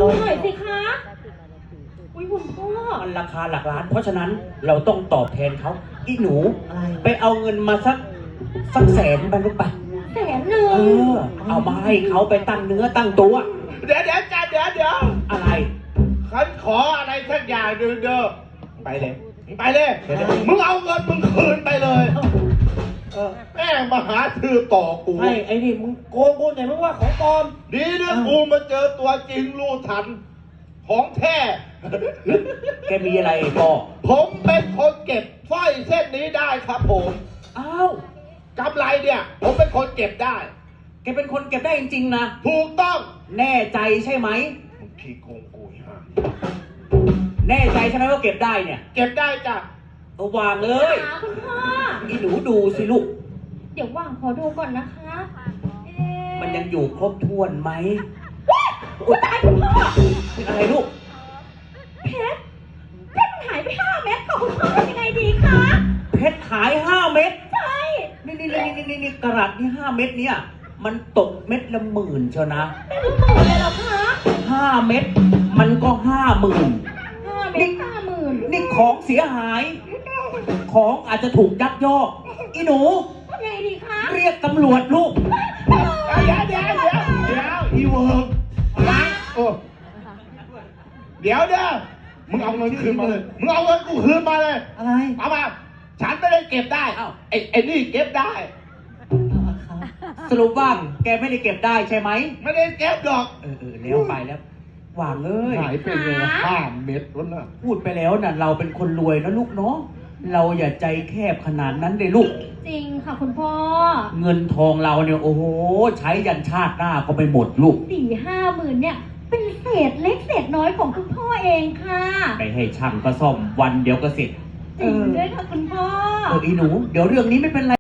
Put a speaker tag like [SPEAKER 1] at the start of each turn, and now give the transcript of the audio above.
[SPEAKER 1] ดูหน่อยสิคะอุ้ยคุณพ่อ
[SPEAKER 2] มันราคาหลักล้านเพราะฉะนั้นเราต้องตอบแทนเขาอีหนู
[SPEAKER 3] อะไร
[SPEAKER 2] ไปเอาเงินมาสักแสนไปลูกไป
[SPEAKER 1] 100,000
[SPEAKER 2] เอามาให้เขาไปตั้งเนื้อตั้งตัว
[SPEAKER 4] เดี๋ยวจ้าเดี๋ยว
[SPEAKER 2] อะไร
[SPEAKER 4] ฉันขออะไรสักอย่างหนึ่งเด้อไปเลยไปเลยมึงเอาเงินมึงคืนไปเลยแม่มาหาถือต่อกู
[SPEAKER 3] ไอ้นี่มึงโกงกูไหนมึงว่าของปลอม
[SPEAKER 4] ดีนะกูมาเจอตัวจริงรู้ทันของแท้
[SPEAKER 2] แกมีอะไรพ่อ
[SPEAKER 4] ผมเป็นคนเก็บสร้อยเส้นนี้ได้ครับผม
[SPEAKER 2] อ้าว
[SPEAKER 4] กำไรเนี่ยผมเป็นคนเก็บได้
[SPEAKER 2] แกเป็นคนเก็บได้จริงๆนะ
[SPEAKER 4] ถูกต้อง
[SPEAKER 2] แน่ใจใช่ไหม
[SPEAKER 4] มึงขี้โกงกูฮะ
[SPEAKER 2] แน่ใจใช่ไหมว่าเก็บได้เนี่ย
[SPEAKER 4] เก็บได้จ้ะ
[SPEAKER 2] เอาวางเลย
[SPEAKER 1] คุณพ่อ
[SPEAKER 2] อีหนูดูสิลูก
[SPEAKER 1] เดี๋ยวว่างขอดูก่อนนะคะ
[SPEAKER 2] มันยังอยู่ครบถ้วนไหม
[SPEAKER 1] อุ๊ยตายคุณพ่อ
[SPEAKER 2] เป็นอะไรลูก
[SPEAKER 1] เพชรมันหายไป5 เม็ดค่ะคุณพ่อทำยังไงดีคะ
[SPEAKER 2] เพชรหาย5 เม็ด
[SPEAKER 1] ใช่
[SPEAKER 2] นี่กระดัษนี่5 เม็ดเนี่ยมันตกเม็ดละ10,000เชียวนะ
[SPEAKER 1] เป็นหมื่นเลยเหรอคะ
[SPEAKER 2] 5 เม็ดมันก็50,000
[SPEAKER 1] 5 เม็ด50,000
[SPEAKER 2] นี่ของเสียหาย ของอาจจะถูกยักยอกอีหนู
[SPEAKER 1] ทำยังไงดีคะ
[SPEAKER 2] เรียกตำรวจลูก
[SPEAKER 4] เดี๋ยวอีเวิร์กโอ้เดี๋ยวมึงเอาเงินคืนมาเลยมึงเอาเงินกูคืนมาเลย
[SPEAKER 3] อะไร
[SPEAKER 4] เอามาฉันไม่ได้เก็บได้เอ้าไอ้นี่เก็บได้
[SPEAKER 2] สรุปว่าแกไม่ได้เก็บได้ใช่ไหม
[SPEAKER 4] ไม่ได้เก็บดอก
[SPEAKER 2] แล้วไปแล้วหวางเอ้ย
[SPEAKER 4] หายไปเลย5 เม็ดแล้วนะ
[SPEAKER 2] พูดไปแล้วน่ะเราเป็นคนรวยนะลูกเนาะเราอย่าใจแคบขนาดนั้นเลยลูก
[SPEAKER 1] จริงค่ะคุณพ่อ
[SPEAKER 2] เงินทองเราเนี่ยโอ้โหใช้ยันชาติหน้าก็ไม่หมดลูก
[SPEAKER 1] 4-5 หมื่นเนี่ยเป็นเศษเล็กเศษน้อยของคุณพ่อเองค่ะ
[SPEAKER 2] ไปให้ช่างก็ซ่อมวันเดียวก็เสร็จ
[SPEAKER 1] จริงด้วยค่ะคุณพ่อ
[SPEAKER 2] อีหนูเดี๋ยวเรื่องนี้ไม่เป็นไร